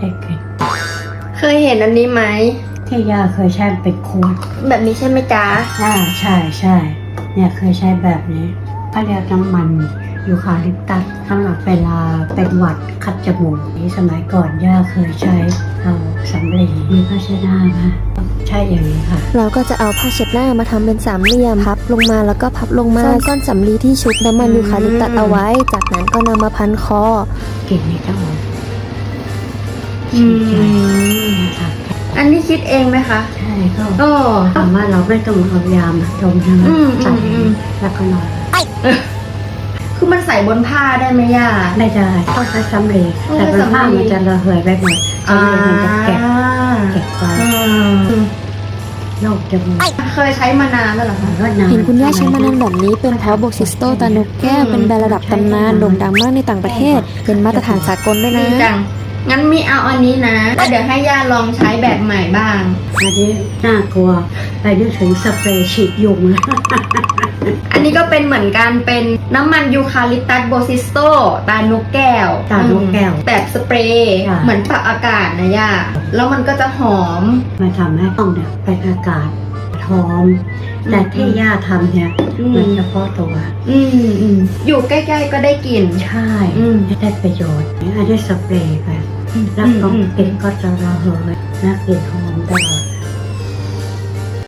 ได้กลิ่นเคยเห็นอันนี้ไหมที่ย่าเคยใช้เป็นขวดแบบนี้ใช่ไหมจ๊ะใช่เนี่ยเคยใช้แบบนี้เขาเรียกน้ำมันยูคาลิปตัสสำหรับเวลาเป็นหวัดคัดจมูกนี่สมัยก่อนย่าเคยใช้เอาสำลีมีภาชนะนะใช่อย่างนี้ค่ะเราก็จะเอาผ้าเช็ดหน้ามาทำเป็นสามเหลี่ยมพับลงมาแล้วก็พับลงมาซ่อนก้อนสำลีที่ชุบน้ำมันยูคาลิปตัสเอาไว้ จากนั้นก็นำมาพันคอกลิ่นนี้ก็หอมอืมนะครับอันนี้คิดเองไหมคะใช่ก็โอ้ถามว่าเราไม่ต้องเอายามาดมใช่ไหมอืมใส่อืมแล้วก็นอนคือมันใส่บนผ้าได้ไหมย่าไม่ได้ต้องใช้สำลีต้องแต่ใช้เป็นผ้าสำลีมันจะระเหยไปหมดสำลีมันจะเก็บไว้ โรคจมูกเคยใช้มานานแล้วเหรอคะก็นานเห็นคุณย่าใช้มานานแบบนี้เป็นเพราะโบซิสโตตานกแก้วเป็นแบรนด์ระดับตำนานโด่งดังมากในต่างประเทศ เป็นมาตรฐานสากลด้วยดีนะจัง งั้นมีเอาอันนี้นะแล้วเดี๋ยวให้ย่าลองใช้แบบใหม่บ้างอันนี้น่ากลัวไปนึกถึงสเปรย์ฉีดยุงเลยอันนี้ก็เป็นเหมือนกันเป็นน้ำมันยูคาลิปตัสโบซิสโตตานกแก้วตานกแก้วแบบสเปรย์ค่ะเหมือนปรับอากาศนะย่า แล้วมันก็จะหอมมาทำให้ห้องเนี่ยเป็นอากาศหอมแต่ที่ย่าทำเนี่ยอืมมันเฉพาะตัวอยู่ใกล้ๆก็ได้กลิ่นใช่อืมได้ประโยชน์อันนี้สเปรย์ไปแล้วก็กลิ่นก็จะระเหยและกลิ่นหอมตลอด